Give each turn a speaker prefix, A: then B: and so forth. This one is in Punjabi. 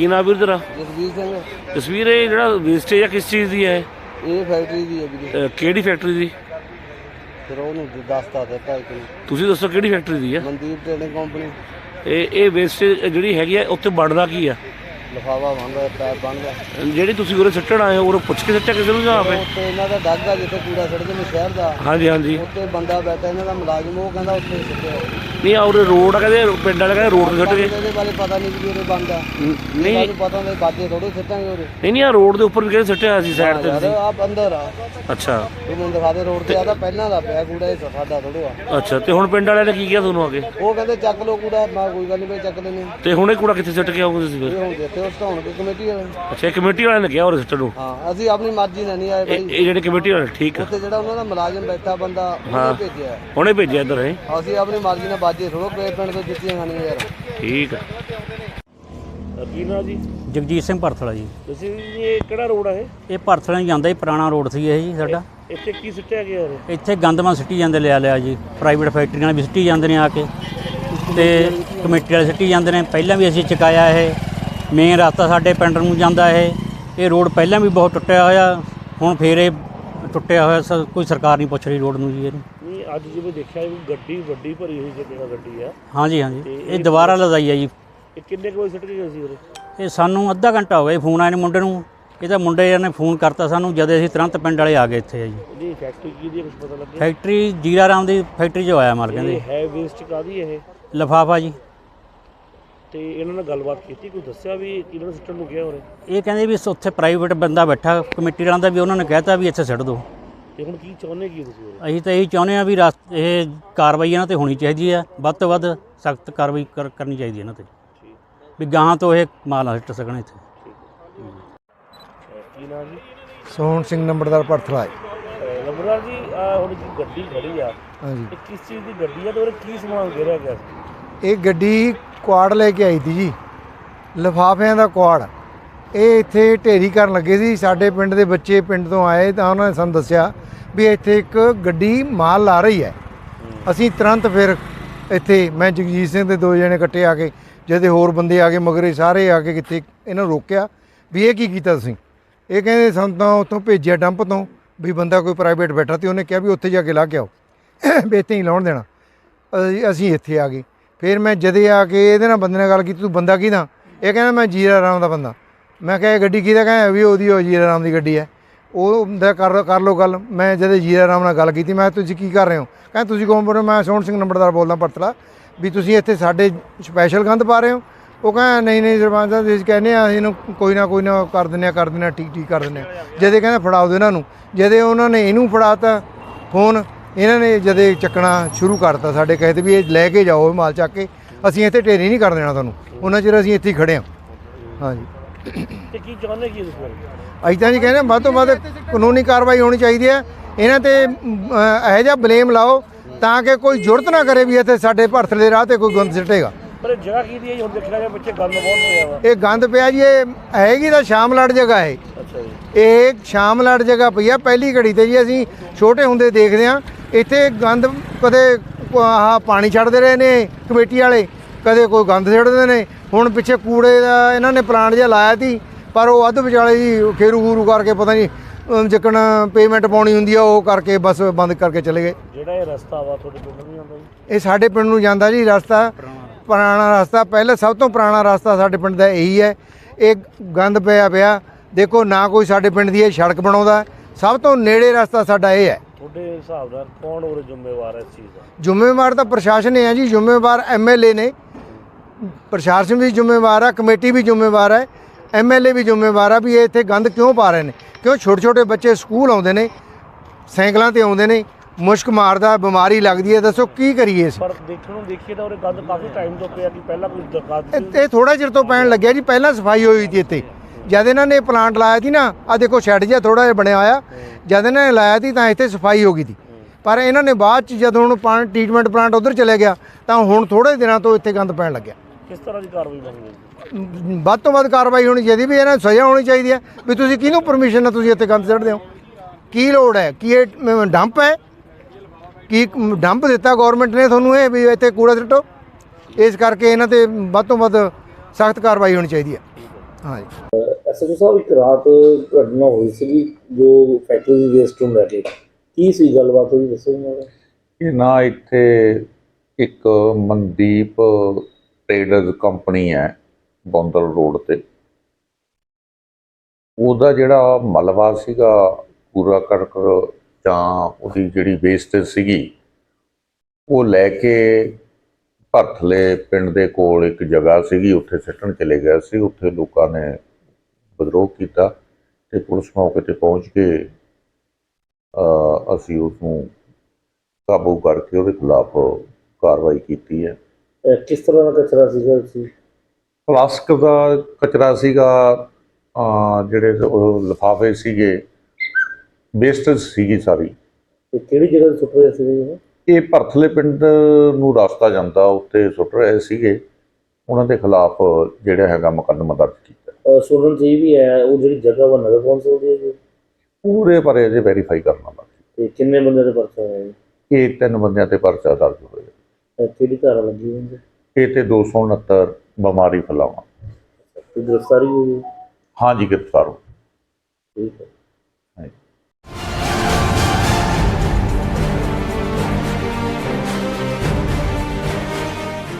A: ਕੀ ਨਾਮ ਵੀਰ ਤੇਰਾ?
B: ਜਸਵੀਰ ਸਿੰਘ।
A: ਤਸਵੀਰ ਇਹ ਜਿਹੜਾ ਵੇਸਟੇਜ ਆ ਕਿਸ ਚੀਜ਼ ਦੀ ਹੈ?
B: ਇਹ ਫੈਕਟਰੀ ਦੀ ਹੈ ਵੀਰੇ।
A: ਕਿਹੜੀ ਫੈਕਟਰੀ ਦੀ?
B: ਫਿਰ ਉਹਨੂੰ ਦੱਸਤਾ ਦਿੱਤਾ ਇੱਕ ਨੂੰ।
A: ਤੁਸੀਂ ਦੱਸੋ ਕਿਹੜੀ ਫੈਕਟਰੀ ਦੀ ਆ?
B: Mandeep trading company.
A: ਇਹ ਵੇਸਟੇਜ ਜਿਹੜੀ ਹੈਗੀ ਆ ਉੱਥੇ ਬਣਦਾ ਕੀ ਆ?
B: ਲਿਫਾਫਾ ਬਣਦਾ, ਪੈਪ ਬਣਦਾ।
A: ਜਿਹੜੀ ਤੁਸੀਂ ਉਰੇ ਸੁੱਟਣ ਆਏ ਹੋ ਉਰੇ ਪੁੱਛ ਕੇ ਸੱਟਿਆ ਕਿਸੇ ਨੂੰ ਜਾਂ ਆਪੇ?
B: ਉੱਥੇ ਇਹਨਾਂ ਦਾ ਡੱਗ ਆ ਜਿੱਥੇ ਕੂੜਾ ਸੜਦੇ ਨੇ ਸ਼ਹਿਰ ਦਾ।
A: ਹਾਂਜੀ ਹਾਂਜੀ।
B: ਉੱਥੇ ਬੰਦਾ ਬੈਠਾ ਇਹਨਾਂ ਦਾ ਮੁਲਾਜ਼ਮ, ਉਹ ਕਹਿੰਦਾ ਉੱਥੇ ਸੁੱਟਿਆ।
A: ਨਹੀਂ ਉਰੇ ਰੋਡ ਆ, ਕਹਿੰਦੇ ਪਿੰਡ ਵਾਲੇ ਕਹਿੰਦੇ ਰੋਡ ਤੇ ਸੁੱਟ ਗਏ।
B: ਇਹਦੇ ਬਾਰੇ ਪਤਾ ਨਹੀਂ ਵੀ ਉਰੇ ਬੰਦਾ
A: ਨਹੀਂ
B: ਸਾਨੂੰ ਪਤਾ ਨਹੀਂ, ਬਾਜੇ ਥੋੜੇ ਸੁੱਟਾਂਗੇ ਉਰੇ।
A: ਨਹੀਂ ਆ ਰੋਡ ਦੇ ਉੱਪਰ ਵੀ ਕਹਿੰਦੇ ਸੁੱਟਿਆ ਸੀ ਸਾਈਡ ਤੇ ਤੁਸੀਂ।
B: ਆ ਅੰਦਰ ਆ।
A: ਅੱਛਾ
B: ਇਹ ਮੈਨੂੰ ਦਿਖਾ ਦੇ ਰੋਡ ਤੇ ਆ ਤਾਂ ਪਹਿਲਾਂ ਦਾ ਪਿਆ ਕੂੜਾ, ਇਹ ਸਾਡਾ ਥੋੜੋ ਆ।
A: ਅੱਛਾ ਤੇ ਹੁਣ ਪਿੰਡ ਵਾਲਿਆਂ ਨੇ ਕੀ ਕਿਹਾ ਤੁਹਾਨੂੰ ਆ ਕੇ?
B: ਉਹ ਕਹਿੰਦੇ ਚੱਕ ਲਓ ਕੂੜਾ। ਮੈਂ ਕੋਈ ਗੱਲ ਨਹੀਂ ਬਈ ਚੱਕ ਲੈਣੇ।
A: ਤੇ ਹੁਣ ਇਹ ਕੂੜਾ ਕਿੱਥੇ ਸੁੱਟ ਕੇ ਆਓਗੇ ਤੁਸੀਂ ਫਿਰ?
B: ਇਹ ਹੁਣ ਦਿੱਤੇ ਉਸ ਢਾਉਣ ਦੀ ਕਮੇਟੀ ਵਾਲੇ।
A: ਅੱਛਾ ਕਮੇਟੀ ਵਾਲਿਆਂ ਨੇ ਕਿਹਾ ਉਰੇ ਸੁੱਟਣ ਨੂੰ?
B: ਹਾਂ ਅਸੀਂ ਆਪਣੀ ਮਰਜ਼ੀ ਨਾਲ ਨਹੀਂ ਆਏ ਬਾਈ।
A: ਇਹ ਜਿਹੜੇ ਕਮੇਟੀ ਵਾਲੇ ਠੀਕ ਆ,
B: ਉੱਥੇ ਜਿਹੜਾ ਉਹਨਾਂ ਦਾ ਮੁਲਾਜ਼ਮ ਬੈਠਾ ਬੰਦਾ ਉਹਨੇ ਭੇਜਿਆ।
A: ਹੁਣੇ ਭੇਜਿਆ ਇੱਧਰ ਹੈ?
B: ਅਸੀਂ ਆਪਣੀ ਮਰਜ਼ੀ ਨਾਲ ਬਾਜੇ ਥੋੜੋ ਪਿੰਡ ਤੋਂ ਜੁੱਤੀਆਂ ਖਾਣੀਆਂ ਯਾਰ।
A: ਠੀਕ ਆ। ਕੀ ਨਾਮ ਜੀ?
C: ਜਗਜੀਤ ਸਿੰਘ ਭਰਥਲਾ ਜੀ।
A: ਤੁਸੀਂ ਇਹ ਕਿਹੜਾ ਰੋਡ ਹੈ?
C: ਇਹ ਭਰਥਲਾ ਹੀ ਜਾਂਦਾ ਜੀ, ਪੁਰਾਣਾ ਰੋਡ ਸੀ ਇਹ ਜੀ ਸਾਡਾ।
A: ਇੱਥੇ ਕੀ ਸਿੱਟਿਆ ਗਿਆ ਉਰੇ?
C: ਇੱਥੇ ਗੰਦਮਾ ਸਿੱਟੀ ਜਾਂਦੇ ਲਿਆ ਜੀ, ਪ੍ਰਾਈਵੇਟ ਫੈਕਟਰੀਆਂ ਵੀ ਸਿੱਟੀ ਜਾਂਦੇ ਨੇ ਆ ਕੇ, ਤੇ ਕਮੇਟੀ ਵਾਲੇ ਸਿੱਟੀ ਜਾਂਦੇ ਨੇ। ਪਹਿਲਾਂ ਵੀ ਅਸੀਂ ਚੁਕਾਇਆ ਇਹ ਮੇਨ ਰਸਤਾ ਸਾਡੇ ਪਿੰਡ ਨੂੰ ਜਾਂਦਾ ਇਹ ਰੋਡ ਪਹਿਲਾਂ ਵੀ ਬਹੁਤ ਟੁੱਟਿਆ ਹੋਇਆ, ਹੁਣ ਫੇਰ ਇਹ ਟੁੱਟਿਆ ਹੋਇਆ। ਕੋਈ ਸਰਕਾਰ ਨਹੀਂ ਪੁੱਛ ਰਹੀ ਰੋਡ ਨੂੰ ਜੀ ਇਹਨੂੰ।
A: ਨਹੀਂ ਅੱਜ ਜਿਵੇਂ ਦੇਖਿਆ ਵੀ ਗੱਡੀ ਵੱਡੀ ਭਰੀ ਹੋਈ ਜਿਹੜਾ ਗੱਡੀ ਆ।
C: ਹਾਂਜੀ ਹਾਂਜੀ, ਇਹ ਦੁਬਾਰਾ ਲਦਾਈ ਆ ਜੀ।
A: ਇਹ ਕਿੰਨੇ ਕੁ ਵਜੇ ਸਿੱਟ ਕੇ ਗਏ ਸੀ ਉਰੇ?
C: ਇਹ ਸਾਨੂੰ ਅੱਧਾ ਘੰਟਾ ਹੋ ਗਿਆ ਫੋਨ ਆਏ ਨੇ ਮੁੰਡੇ ਨੂੰ। ਇਹਦਾ ਮੁੰਡੇ ਨੇ ਫੋਨ ਕਰਤਾ ਸਾਨੂੰ, ਜਦ ਅਸੀਂ ਤੁਰੰਤ ਪਿੰਡ ਵਾਲੇ ਆ ਗਏ ਇੱਥੇ ਆ ਜੀ।
A: ਇਹਦੀ ਫੈਕਟਰੀ ਕੀ ਦੀ ਕੁਝ ਪਤਾ ਲੱਗਿਆ?
C: ਫੈਕਟਰੀ ਜੀਰਾ ਰਾਮ ਦੀ ਫੈਕਟਰੀ 'ਚੋਂ ਆਇਆ ਮਾਲ ਕਹਿੰਦੇ।
A: ਹੈ ਵੇਸਟ ਕਾਦੀ ਇਹ?
C: ਲਿਫਾਫਾ ਜੀ।
A: ਤੇ ਇਹਨਾਂ ਨਾਲ ਗੱਲਬਾਤ ਕੀਤੀ, ਕੋਈ ਦੱਸਿਆ ਵੀ ਇਹਨਾਂ ਨੂੰ ਸਿੱਟਣ ਨੂੰ ਕਿਹਾ ਉਰੇ?
C: ਇਹ ਕਹਿੰਦੇ ਵੀ ਉੱਥੇ ਪ੍ਰਾਈਵੇਟ ਬੰਦਾ ਬੈਠਾ ਕਮੇਟੀ ਵਾਲਿਆਂ ਦਾ, ਵੀ ਉਹਨਾਂ ਨੇ ਕਹਿਤਾ ਵੀ ਇੱਥੇ ਸਿੱਟ ਦਿਓ।
A: ਤੇ ਹੁਣ ਕੀ ਚਾਹੁੰਦੇ ਕੀ ਤੁਸੀਂ ਉਰੇ?
C: ਅਸੀਂ ਤਾਂ ਇਹੀ ਚਾਹੁੰਦੇ ਹਾਂ ਵੀ ਇਹ ਕਾਰਵਾਈ ਇਹਨਾਂ 'ਤੇ ਹੋਣੀ ਚਾਹੀਦੀ ਹੈ, ਵੱਧ ਤੋਂ ਵੱਧ ਸਖਤ ਕਾਰਵਾਈ ਕਰਨੀ ਚਾਹੀਦੀ ਇਹਨਾਂ 'ਤੇ, ਵੀ ਗਾਹਾਂ ਤੋਂ ਇਹ ਮਾਲ ਨਾ ਸਿੱਟ ਸਕਣ ਇੱਥੇ।
A: ਕੀ ਨਾਮ ਜੀ?
B: ਸੋਹਣ ਸਿੰਘ ਨੰਬਰਦਾਰ ਭਰਥਲਾ।
A: ਨੰਬਰਦਾਰ ਜੀ ਹੁਣ ਜੀ ਗੱਡੀ ਖੜੀ ਆ,
B: ਹਾਂਜੀ
A: ਇਹ ਕਿਸ ਚੀਜ਼ ਦੀ ਗੱਡੀ ਆ ਤੇ ਉਰੇ ਕੀ ਸਮਾਨ ਘੇਰਿਆ ਗਿਆ ਸੀ?
B: ਇਹ ਗੱਡੀ ਕੁਆੜ ਲੈ ਕੇ ਆਈ ਸੀ ਜੀ, ਲਿਫਾਫਿਆਂ ਦਾ ਕੁਆੜ। ਇਹ ਇੱਥੇ ਢੇਰੀ ਕਰਨ ਲੱਗੇ ਸੀ। ਸਾਡੇ ਪਿੰਡ ਦੇ ਬੱਚੇ ਪਿੰਡ ਤੋਂ ਆਏ ਤਾਂ ਉਹਨਾਂ ਨੇ ਸਾਨੂੰ ਦੱਸਿਆ ਵੀ ਇੱਥੇ ਇੱਕ ਗੱਡੀ ਮਾਲ ਲਾ ਰਹੀ ਹੈ। ਅਸੀਂ ਤੁਰੰਤ ਫਿਰ ਇੱਥੇ ਮੈਂ ਜਗਜੀਤ ਸਿੰਘ ਦੇ 2 ਜਣੇ ਇਕੱਠੇ ਆ ਕੇ, ਜਿਹਦੇ ਹੋਰ ਬੰਦੇ ਆ ਗਏ ਮਗਰੇ ਸਾਰੇ ਆ ਕੇ, ਕਿੱਥੇ ਇਹਨਾਂ ਨੂੰ ਰੋਕਿਆ ਵੀ ਇਹ ਕੀ ਕੀਤਾ ਤੁਸੀਂ? ਇਹ ਕਹਿੰਦੇ ਸਾਨੂੰ ਤਾਂ ਉੱਥੋਂ ਭੇਜਿਆ ਡੰਪ ਤੋਂ, ਵੀ ਬੰਦਾ ਕੋਈ ਪ੍ਰਾਈਵੇਟ ਬੈਠਾ ਤੇ ਉਹਨੇ ਕਿਹਾ ਵੀ ਉੱਥੇ ਜਾ ਕੇ ਲਾ ਕੇ ਆਓ, ਵੀ ਇੱਥੇ ਨਹੀਂ ਲਾਉਣ ਦੇਣਾ। ਅਸੀਂ ਇੱਥੇ ਆ ਗਏ। ਫਿਰ ਮੈਂ ਜਦੇ ਆ ਕੇ ਇਹਦੇ ਨਾਲ ਬੰਦੇ ਨਾਲ ਗੱਲ ਕੀਤੀ, ਤੂੰ ਬੰਦਾ ਕਿਹਦਾ? ਇਹ ਕਹਿੰਦਾ ਮੈਂ ਜੀਰਾ ਰਾਮ ਦਾ ਬੰਦਾ। ਮੈਂ ਕਿਹਾ ਇਹ ਗੱਡੀ ਕਿਹਦਾ? ਕਹਿੰਦਾ ਵੀ ਉਹਦੀ, ਉਹ ਜੀਰਾ ਰਾਮ ਦੀ ਗੱਡੀ ਹੈ। ਉਹ ਕਰ ਲਓ ਗੱਲ। ਮੈਂ ਜਦੇ ਜੀਰਾ ਰਾਮ ਨਾਲ ਗੱਲ ਕੀਤੀ, ਮੈਂ ਤੁਸੀਂ ਕੀ ਕਰ ਰਹੇ ਹੋ? ਕਹਿੰਦਾ ਤੁਸੀਂ ਕੌਣ ਬੋਲ ਰਹੇ? ਮੈਂ ਸੋਹਣ ਸਿੰਘ ਨੰਬਰਦਾਰ ਬੋਲਦਾ ਭਰਥਲਾ, ਵੀ ਤੁਸੀਂ ਇੱਥੇ ਸਾਡੇ ਸਪੈਸ਼ਲ ਗੰਦ ਪਾ ਰਹੇ ਹੋ? ਉਹ ਕਹਿੰਦਾ ਨਹੀਂ ਸਰਪੰਚ ਸਾਹਿਬ ਅਸੀਂ ਕਹਿੰਦੇ ਹਾਂ ਇਹਨੂੰ ਕੋਈ ਨਾ ਕਰ ਦਿੰਦੇ ਹਾਂ ਠੀਕ ਕਰ ਦਿੰਦੇ ਹਾਂ। ਜਦੇ ਕਹਿੰਦਾ ਫੜਾਓ ਦਿਓ ਇਹਨਾਂ ਨੂੰ। ਜਦੇ ਉਹਨਾਂ ਨੇ ਇਹਨੂੰ ਫੜਾਤਾ ਫੋਨ, ਇਹਨਾਂ ਨੇ ਜਦੇ ਚੱਕਣਾ ਸ਼ੁਰੂ ਕਰਤਾ ਸਾਡੇ ਕਹੇ 'ਤੇ ਵੀ ਇਹ ਲੈ ਕੇ ਜਾਓ ਮਾਲ ਚੱਕ ਕੇ, ਅਸੀਂ ਇੱਥੇ ਢੇਰੀ ਨਹੀਂ ਕਰ ਦੇਣਾ ਤੁਹਾਨੂੰ। ਉਹਨਾਂ ਚਿਰ ਅਸੀਂ ਇੱਥੇ ਹੀ ਖੜ੍ਹੇ ਹਾਂ। ਹਾਂਜੀ
A: ਤੇ ਕੀ ਚਾਹੁੰਦੇ ਕੀ ਤੁਸੀਂ?
B: ਅਸੀਂ ਤਾਂ ਜੀ ਕਹਿੰਦੇ ਵੱਧ ਤੋਂ ਵੱਧ ਕਾਨੂੰਨੀ ਕਾਰਵਾਈ ਹੋਣੀ ਚਾਹੀਦੀ ਹੈ। ਇਹਨਾਂ 'ਤੇ ਇਹੋ ਜਿਹਾ ਬਲੇਮ ਲਾਓ ਤਾਂ ਕਿ ਕੋਈ ਜੁਰਤ ਨਾ ਕਰੇ ਵੀ ਇੱਥੇ ਸਾਡੇ ਭਰਥਲੇ ਦੇ ਰਾਹ 'ਤੇ ਕੋਈ ਗੰਦ ਸਿੱਟੇਗਾ।
A: ਪਰ ਜਗ੍ਹਾ ਕੀ ਦੀ ਹੈ ਹੁਣ ਦੇਖਿਆ ਗਿਆ ਪਿੱਛੇ ਗੰਦ ਬਹੁਤ ਪਿਆ ਵਾ।
B: ਇਹ ਗੰਦ ਪਿਆ ਜੀ, ਇਹ ਹੈਗੀ ਤਾਂ ਸ਼ਾਮਲਾਟ ਜਗ੍ਹਾ ਹੈ।
A: ਅੱਛਾ ਜੀ।
B: ਇਹ ਸ਼ਾਮਲਾਟ ਜਗ੍ਹਾ ਪਈ ਆ ਪਹਿਲੀ ਘੜੀ 'ਤੇ ਜੀ। ਅਸੀਂ ਛੋਟੇ ਹੁੰਦੇ ਦੇਖਦੇ ਹਾਂ ਇੱਥੇ ਗੰਦ, ਕਦੇ ਆਹ ਪਾਣੀ ਛੱਡਦੇ ਰਹੇ ਨੇ ਕਮੇਟੀ ਵਾਲੇ, ਕਦੇ ਕੋਈ ਗੰਦ ਛੱਡਦੇ ਨੇ। ਹੁਣ ਪਿੱਛੇ ਕੂੜੇ ਦਾ ਇਹਨਾਂ ਨੇ ਪਲਾਂਟ ਜਿਹਾ ਲਾਇਆ ਸੀ, ਪਰ ਉਹ ਅੱਧ ਵਿਚਾਲੇ ਜੀ ਖੇਰੂ ਕਰਕੇ ਪਤਾ ਨਹੀਂ ਜਿੱਕਣ ਪੇਮੈਂਟ ਪਾਉਣੀ ਹੁੰਦੀ ਆ ਉਹ ਕਰਕੇ ਬਸ ਬੰਦ ਕਰਕੇ ਚਲੇ ਗਏ।
A: ਜਿਹੜਾ ਇਹ ਰਸਤਾ ਵਾ ਤੁਹਾਡੇ ਪਿੰਡ ਨੂੰ ਜਾਂਦਾ ਜੀ?
B: ਇਹ ਸਾਡੇ ਪਿੰਡ ਨੂੰ ਜਾਂਦਾ ਜੀ ਰਸਤਾ, ਪੁਰਾਣਾ ਰਸਤਾ। ਪਹਿਲਾਂ ਸਭ ਤੋਂ ਪੁਰਾਣਾ ਰਸਤਾ ਸਾਡੇ ਪਿੰਡ ਦਾ ਇਹੀ ਹੈ। ਇਹ ਗੰਦ ਪਿਆ ਦੇਖੋ ਨਾ ਕੋਈ ਸਾਡੇ ਪਿੰਡ ਦੀ ਇਹ ਸੜਕ ਬਣਾਉਂਦਾ। ਸਭ ਤੋਂ ਨੇੜੇ ਰਸਤਾ ਸਾਡਾ ਇਹ ਹੈ।
A: ਤੁਹਾਡੇ ਹਿਸਾਬ ਨਾਲ ਕੌਣ ਉਰੇ ਜ਼ਿੰਮੇਵਾਰ ਹੈ ਇਸ ਚੀਜ਼ ਦਾ?
B: ਜ਼ਿੰਮੇਵਾਰ ਤਾਂ ਪ੍ਰਸ਼ਾਸਨ ਹੈ ਜੀ, ਜ਼ਿੰਮੇਵਾਰ MLA ਨੇ। ਪ੍ਰਸ਼ਾਸਨ ਵੀ ਜ਼ਿੰਮੇਵਾਰ ਹੈ, ਕਮੇਟੀ ਵੀ ਜ਼ਿੰਮੇਵਾਰ ਹੈ, MLA ਵੀ ਜ਼ਿੰਮੇਵਾਰ ਆ ਵੀ ਇਹ ਇੱਥੇ ਗੰਦ ਕਿਉਂ ਪਾ ਰਹੇ ਨੇ। ਕਿਉਂ ਛੋਟੇ ਬੱਚੇ ਸਕੂਲ ਆਉਂਦੇ ਨੇ, ਸਾਈਕਲਾਂ 'ਤੇ ਆਉਂਦੇ ਨੇ, ਮੁਸ਼ਕ ਮਾਰਦਾ, ਬਿਮਾਰੀ ਲੱਗਦੀ ਹੈ। ਦੱਸੋ ਕੀ ਕਰੀਏ?
A: ਪਰ ਦੇਖਣ ਨੂੰ ਦੇਖੀਏ ਤਾਂ ਉਰੇ ਗੰਦ ਕਾਫੀ ਟਾਈਮ ਤੋਂ ਪਿਆ ਕਿ ਪਹਿਲਾਂ ਕੋਈ ਦਰਖਾਸਤ?
B: ਇਹ ਥੋੜਾ ਚਿਰ ਤੋਂ ਪੈਣ ਲੱਗਿਆ ਜੀ। ਪਹਿਲਾਂ ਸਫਾਈ ਹੋਈ ਸੀ ਇੱਥੇ, ਜਦ ਇਹਨਾਂ ਨੇ ਪਲਾਂਟ ਲਾਇਆ ਸੀ ਨਾ, ਆ ਦੇਖੋ ਸ਼ੈੱਡ ਜਿਹਾ ਥੋੜਾ ਜਿਹਾ ਬਣਿਆ ਹੋਇਆ, ਜਦ ਇਹਨਾਂ ਨੇ ਲਾਇਆ ਸੀ ਤਾਂ ਇੱਥੇ ਸਫਾਈ ਹੋ ਗਈ ਸੀ। ਪਰ ਇਹਨਾਂ ਨੇ ਬਾਅਦ 'ਚ ਜਦੋਂ ਹੁਣ ਟ੍ਰੀਟਮੈਂਟ ਪਲਾਂਟ ਉਧਰ ਚਲੇ ਗਿਆ ਤਾਂ ਹੁਣ ਥੋੜੇ ਦਿਨਾਂ ਤੋਂ ਇੱਥੇ ਗੰਦ ਪੈਣ ਲੱਗਿਆ।
A: ਕਿਸ ਤਰ੍ਹਾਂ ਦੀ ਕਾਰਵਾਈ ਬਣਨੀ?
B: ਵੱਧ ਤੋਂ ਵੱਧ ਕਾਰਵਾਈ ਹੋਣੀ ਚਾਹੀਦੀ, ਵੀ ਇਹਨਾਂ ਨੂੰ ਸਜ਼ਾ ਹੋਣੀ ਚਾਹੀਦੀ ਹੈ। ਵੀ ਤੁਸੀਂ ਕਿਹਨੂੰ ਪਰਮਿਸ਼ਨ ਨਾਲ ਤੁਸੀਂ ਇੱਥੇ ਗੰਦ ਸੁੱਟਦੇ ਹੋ? ਕੀ ਲੋੜ ਹੈ? ਕੀ ਇਹ ਡੰਪ ਹੈ? ਕੀ ਡੰਪ ਦਿੱਤਾ ਗੌਰਮੈਂਟ ਨੇ ਤੁਹਾਨੂੰ ਇਹ ਵੀ ਇੱਥੇ ਕੂੜਾ ਸੁੱਟੋ? ਇਸ ਕਰਕੇ ਇਹਨਾਂ 'ਤੇ ਵੱਧ ਤੋਂ ਵੱਧ ਸਖਤ ਕਾਰਵਾਈ ਹੋਣੀ ਚਾਹੀਦੀ ਹੈ। ਹਾਂਜੀ।
A: ਐਸਐਚਓ ਸਾਹਿਬ, ਇੱਕ ਰਾਤ ਘਟਨਾ ਹੋਈ ਸੀ ਜੋ ਫੈਕਟਰੀ ਦੀ ਵੇਸਟ ਨੂੰ ਲੈ ਕੇ, ਕੀ ਸੀ ਗੱਲਬਾਤ ਹੋਈ, ਦੱਸੋ ਮੈਨੂੰ।
D: ਇਹ ਨਾ ਇੱਥੇ ਇੱਕ ਮਨਦੀਪ ਟ੍ਰੇਡਰਜ਼ ਕੰਪਨੀ ਹੈ ਬੌਂਦਲ ਰੋਡ ਤੇ। ਉਹਦਾ ਜਿਹੜਾ ਮਲਬਾ ਸੀਗਾ, ਕੂੜਾ ਕਰਕਟ ਜਾਂ ਉਹਦੀ ਜਿਹੜੀ ਵੇਸਟੇਜ ਸੀਗੀ, ਉਹ ਲੈ ਕੇ ਭਰਥਲੇ ਪਿੰਡ ਦੇ ਕੋਲ ਇੱਕ ਜਗ੍ਹਾ ਸੀਗੀ, ਉੱਥੇ ਸਿੱਟਣ ਚਲੇ ਗਿਆ ਸੀ। ਉੱਥੇ ਲੋਕਾਂ ਨੇ ਵਿਦਰੋਹ ਕੀਤਾ ਤੇ ਪੁਲਿਸ ਮੌਕੇ ਤੇ ਪਹੁੰਚ ਕੇ ਅਸੀਂ ਉਸਨੂੰ ਕਾਬੂ ਕਰਕੇ ਉਹਦੇ ਖਿਲਾਫ ਕਾਰਵਾਈ ਕੀਤੀ ਹੈ।
A: ਕਿਸ ਤਰ੍ਹਾਂ ਦਾ ਕਚਰਾ ਸੀਗਾ ਸੀ?
D: ਪਲਾਸਟਿਕ ਦਾ ਕਚਰਾ ਸੀਗਾ, ਜਿਹੜੇ ਉਹ ਲਿਫਾਫੇ ਸੀਗੇ, ਵੇਸਟੇਜ ਸੀਗੀ ਸਾਰੀ।
A: ਤੇ ਕਿਹੜੀ ਜਗ੍ਹਾ ਤੇ ਸੁੱਟ ਰਹੇ ਸੀ?
D: ਇਹ ਭਰਥਲੇ ਪਿੰਡ ਨੂੰ ਰਸਤਾ ਜਾਂਦਾ, ਉੱਥੇ ਸੁੱਟ ਰਹੇ ਸੀਗੇ। ਉਹਨਾਂ ਦੇ ਖਿਲਾਫ ਜਿਹੜਾ ਹੈਗਾ ਮੁਕੱਦਮਾ ਦਰਜ ਕੀਤਾ।
A: ਸੁਣਨ ਚ ਇਹ ਵੀ ਹੈ ਉਹ ਜਿਹੜੀ ਜਗ੍ਹਾ ਵਾ ਨਗਰ ਕੌਂਸਲ ਦੀ ਹੈ ਜੀ?
D: ਪੂਰੇ ਬਾਰੇ ਅਜੇ ਵੈਰੀਫਾਈ ਕਰਨਾ ਬਾਕੀ।
A: ਤੇ ਕਿੰਨੇ ਬੰਦੇ ਦੇ ਪਰਚਾ ਹੋਇਆ ਜੀ?
D: ਇਹ 3 ਬੰਦਿਆਂ ਤੇ ਪਰਚਾ ਦਰਜ ਹੋਇਆ।
A: ਕਿਹੜੀ ਧਾਰਾ ਲੱਗੀ ਹੋਈ?
D: ਇਹ ਤੇ 269 ਬਿਮਾਰੀ ਫੈਲਾਉਣਾ।
A: ਗ੍ਰਿਫਤਾਰੀ ਹੋਈ?
D: ਹਾਂਜੀ, ਗ੍ਰਿਫਤਾਰ ਹੋ।
A: ਠੀਕ ਹੈ।
D: ਹਾਂਜੀ।